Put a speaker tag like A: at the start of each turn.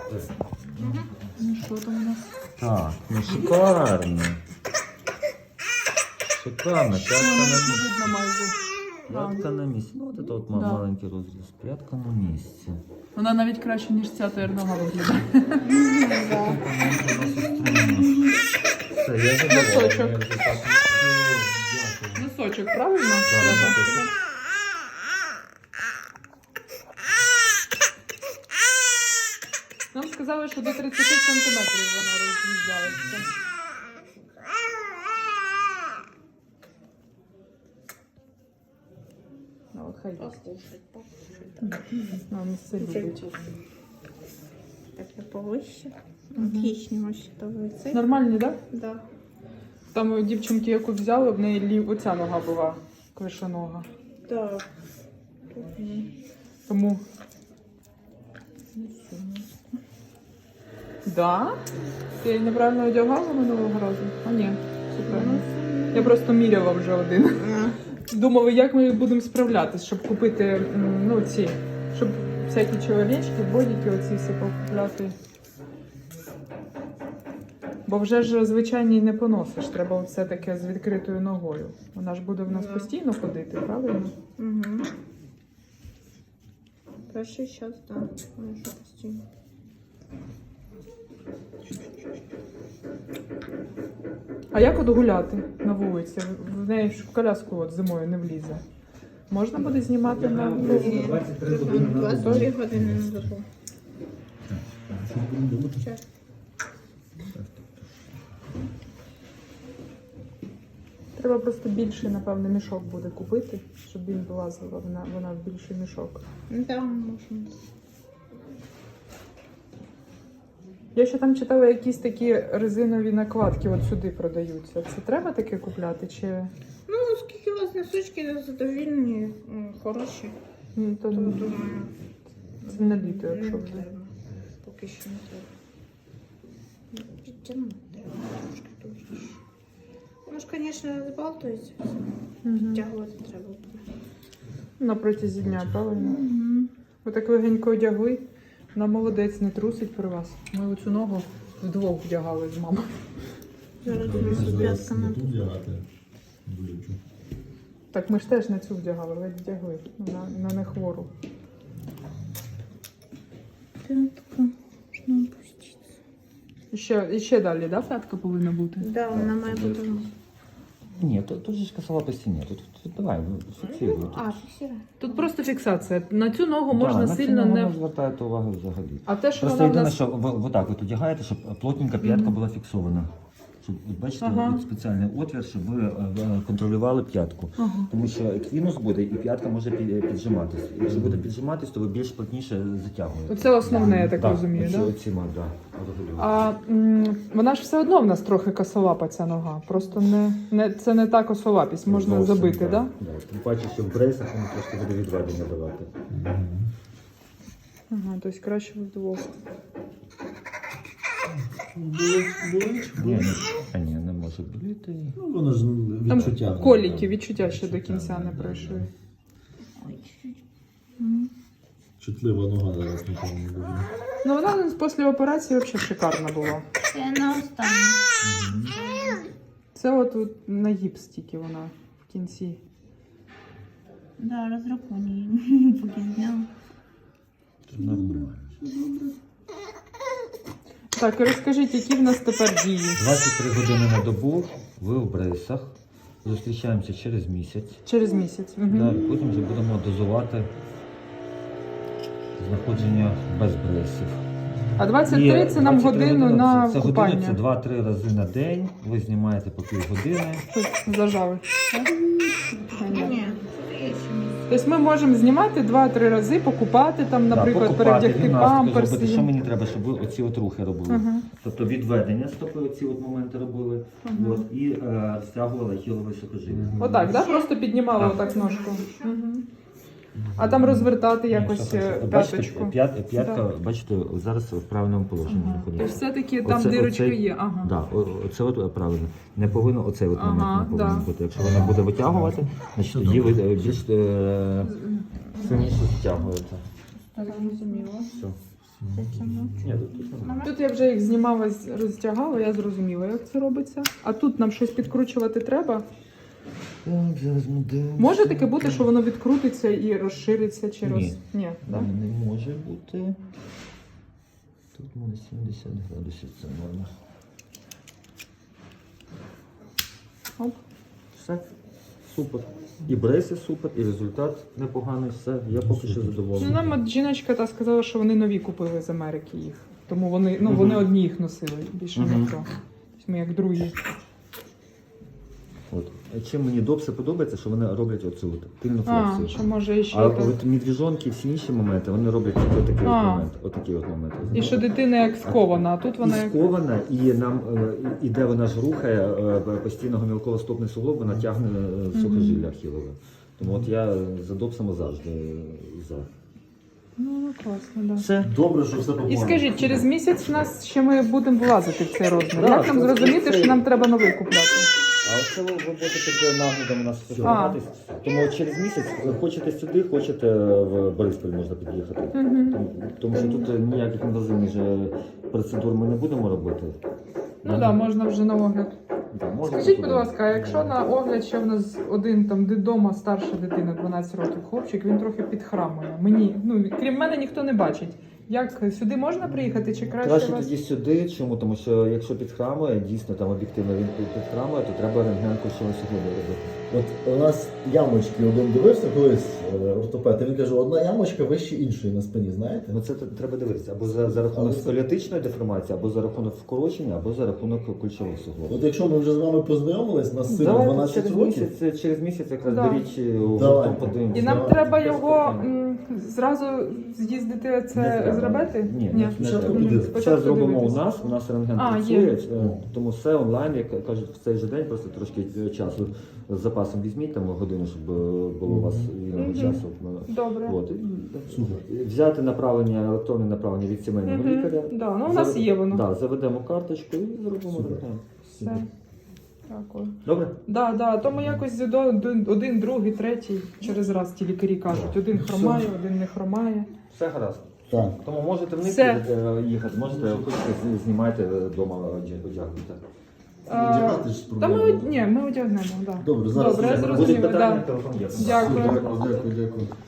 A: Ну що там у нас?
B: Так, ну шикарно. Шикарно, п'ятка на місці.
A: Видно майже.
B: П'ятка на місці. Ну, от це от
A: Да.
B: маленький розріз. П'ятка на місці.
A: Вона навіть краще, ніж ця тернога виглядає.
B: Все, я задоволений.
A: Носочок.
B: Я вже так дякую.
A: Носочок, правильно?
B: Да, носочок.
A: Нам сказали, що до 30 сантиметрів вона роз'їжджається. Ну, от хай їсть. Ну, місце любить.
C: Так, я повище. Отлично, вообще то
A: Нормальні, так?
C: Да.
A: Там у дівчинки, яку взяли, в неї оця нога була клишонога.
C: Да.
A: Тому. Да? Ти її неправильно одягала минулого разу? А ні, все правильно. Я просто міряла вже один. Думала, як ми будемо справлятись, щоб купити, ну, ці, щоб всякі чоловічки, бодіки, оці всі покупляти. Бо вже ж звичайні не поносиш, треба все таке з відкритою ногою. Вона ж буде в нас постійно ходити, правильно?
C: Угу. Перший час, да. Може постійно.
A: А як от гуляти на вулиці? В неї ж в коляску от зимою не влізе. Можна буде знімати на вулиці?
C: 22 години на добу. Час.
A: Треба просто більший, напевно, мішок буде купити, щоб він влазила вона в більший мішок.
C: Ну да, можна.
A: Я ще там читала якісь такі резинові накладки, от сюди продаються. Це треба таке купляти? Чи
C: Ну, оскільки у вас носочки задовільні, хороші,
A: ні, то
C: то думаю,
A: це не літо,
C: не
A: якщо вже.
C: треба. Поки що не треба. Підтягнути треба трошки товстіше. Ну ж, звісно, збалтується,
A: Угу.
C: підтягувати треба буде.
A: На протязі дня, правильно?
C: Угу.
A: Ви так легенько одягли. Вона молодець, не трусить при вас. Ми оцю ногу вдвох вдягали з мамою.
C: Зараз ми п'ятками.
A: Так ми ж теж на цю вдягали, ледь вдягли. На нехвору.
C: П'ятка. Можна опуститися.
A: І ще далі, да, п'ятка повинна бути?
C: Да, вона має бути.
B: Ні, тут же ж косова по стіні. Тут давай, фіксуй.
C: А, фіксує.
A: Тут просто фіксація. На цю ногу можна
B: на
A: сильно
B: цьому
A: не...
B: не звертаєте увагу взагалі.
A: А те, що
B: Просто
A: вона в
B: єдине,
A: нас...
B: що ви отак от одягаєте, щоб плотненька п'ятка була фіксована. Щоб, от бачите,
A: Ага.
B: от спеціальний отвір, щоб ви контролювали п'ятку.
A: Ага.
B: Тому що еквінус буде і п'ятка може піджиматись. Якщо буде піджиматись, то ви більш плотніше затягуєте.
A: Це основне, я так розумію,
B: оці,
A: да?
B: оціма, да, регулюєте.
A: А вона ж все одно в нас трохи косолапа ця нога. Просто це не та косолапість, можна
B: Зовсім,
A: забити, так? Да?
B: Да. Тим паче, що в брейсах воно трошки буде відведення давати.
A: Ага, тобто краще вдвох.
B: Ні, не може боліти.
D: Ну, воно ж
A: Там
D: відчуття.
A: коліки, відчуття ще до кінця не пройшли.
D: Чутлива нога зараз нікому не буде.
A: Ну вона після операції взагалі шикарна була.
C: Це на останнє.
A: Це от на гіпс тільки вона в кінці.
C: Да, розраховані. Поки зняла.
B: Це нормально.
A: Так, і розкажіть, які в нас тепер дії?
B: 23 години на добу, ви в брейсах. Зустрічаємося через місяць.
A: Через місяць. Угу.
B: Да, і потім вже будемо дозувати знаходження без брейсів.
A: А 23 це нам
B: 23
A: годину на
B: це
A: купання.
B: година, це 2-3 рази на день. Ви знімаєте по півгодини.
A: Тут зажали. Так?
C: Ні.
A: Тобто ми можемо знімати 2-3 рази, покупати там, наприклад, перевдягти
B: гімнастику
A: памперси.
B: зробити. Що мені треба, щоб ви оці от рухи робили?
A: Ага.
B: Тобто відведення стопи, оці от моменти робили, от, і стягували хілове сухожилля.
A: Отак, да? Просто піднімали
B: Так.
A: отак ножку. Угу. А там розвертати якось п'яточку.
B: Бачите, п'ятка, бачите, зараз в правильному положенні
A: Ага. Тобто
B: знаходиться.
A: все-таки там дирочки є. Ага.
B: Да, оце от правильно. Не повинно оцей от момент
A: Ага,
B: не повинен
A: да.
B: бути. Якщо вона буде витягувати, значить тоді ви більш сильніше стягуєте.
A: Так, зрозуміло.
B: Все. Ні, тут нормально.
A: Тут я вже їх знімала, роздягала, я зрозуміла, як це робиться. А тут нам щось підкручувати треба.
B: Так, зараз ми дивимося.
A: Може таке бути, що воно відкрутиться і розшириться чи
B: Ні.
A: Ні, да?
B: Не може бути. Тут у мене 70 градусів, це норма.
A: Оп.
B: Все. Супер. І брейси супер, і результат непоганий, все. Я поки що
A: Ну,
B: задоволений.
A: нам от жіночка та сказала, що вони нові купили з Америки їх. Тому вони, ну, вони одні їх носили, більше
B: Мгм.
A: ніхто. Тобто ми як другі.
B: От. Чим мені допси подобається, що вони роблять оцю от тильну
A: А,
B: флексію.
A: що може іще
B: А
A: так.
B: от медвіжонки, всі інші моменти, вони роблять тільки отакий от
A: А.
B: момент. Отакий от момент.
A: І що дитина як скована, а тут вона
B: І
A: як...
B: скована, і нам іде вона ж рухає постійного мілково-стопний суглоб, вона тягне сухожилля ахілове. Тому от я за допсами завжди за.
A: Ну, класно, да.
B: Все.
D: Добре, що все по
A: І скажіть, через місяць в нас ще ми будемо влазити в цей розмір.
B: Да,
A: Як нам
B: це-
A: зрозуміти,
B: це-
A: що нам треба новий купляти?
B: А оце ви будете під наглядом у нас спостерігатись. Тому через місяць хочете сюди, хочете в Бориспіль можна під'їхати. Тому що тут ніяких інвазивних же процедур ми не будемо робити.
A: Ну так, да, можна вже на огляд.
B: Да, можна
A: Скажіть,
B: туди.
A: будь ласка, а якщо на огляд ще в нас один там вдома старша дитина, 12 років хлопчик, він трохи підхрамує. Мені, ну крім мене, ніхто не бачить. Як сюди можна приїхати чи краще
B: Краще
A: вас?
B: тоді сюди. Чому? Тому що якщо підхрамує, дійсно там об'єктивно він підхрамує, то треба рентген кульшової суглоби робити.
D: От у нас ямочки, один дивився колись ортопед, і він каже, одна ямочка вище іншої на спині, знаєте?
B: Ну це треба дивитися або за рахунок
D: Але це-
B: сколіотичної деформації, або за рахунок вкорочення, або за рахунок кульшових суглобів.
D: От якщо ми вже з вами познайомились, нас сину
B: Давайте
D: 12
B: через
D: років,
B: місяць якраз
A: Да.
B: беріть
D: Давай.
B: подивимося.
A: І нам
D: Давай.
A: треба його зразу з'їздити
B: Не
A: це
B: треба.
A: зробити?
B: Ні,
A: Ні.
B: не
D: Спочатку
B: треба.
D: подивитися.
B: Все
A: Спочатку
B: зробимо
A: дивитися.
B: у нас рентген
A: А,
B: працює,
A: є.
B: тому все онлайн, як кажуть, в цей же день, просто трошки часу з запасом візьміть там годину, щоб було у вас вільного
A: Мгм.
B: часу.
A: Добре.
B: От.
D: Супер.
B: Взяти направлення, електронне направлення від сімейного
A: Мгм.
B: лікаря.
A: Да, ну у нас є воно.
B: Да, заведемо карточку і зробимо
D: Супер.
B: рентген.
A: Все. Дякую.
B: Добре?
A: Да, тому якось один, другий, третій через раз ті лікарі кажуть. Один хромає, один не хромає.
B: Все гаразд.
D: Так.
B: Тому можете вниз
A: Все.
B: їхати, можете хочете знімайте вдома одягнути.
D: Вдягати ж
A: Та ми,
D: проблема.
A: ні, ми одягнемо, да.
D: Добре, зараз
A: Добре, я
D: вже
A: зрозуміла,
B: Будуть питання,
A: да.
B: телефон є.
A: Дякую.
D: Дякую.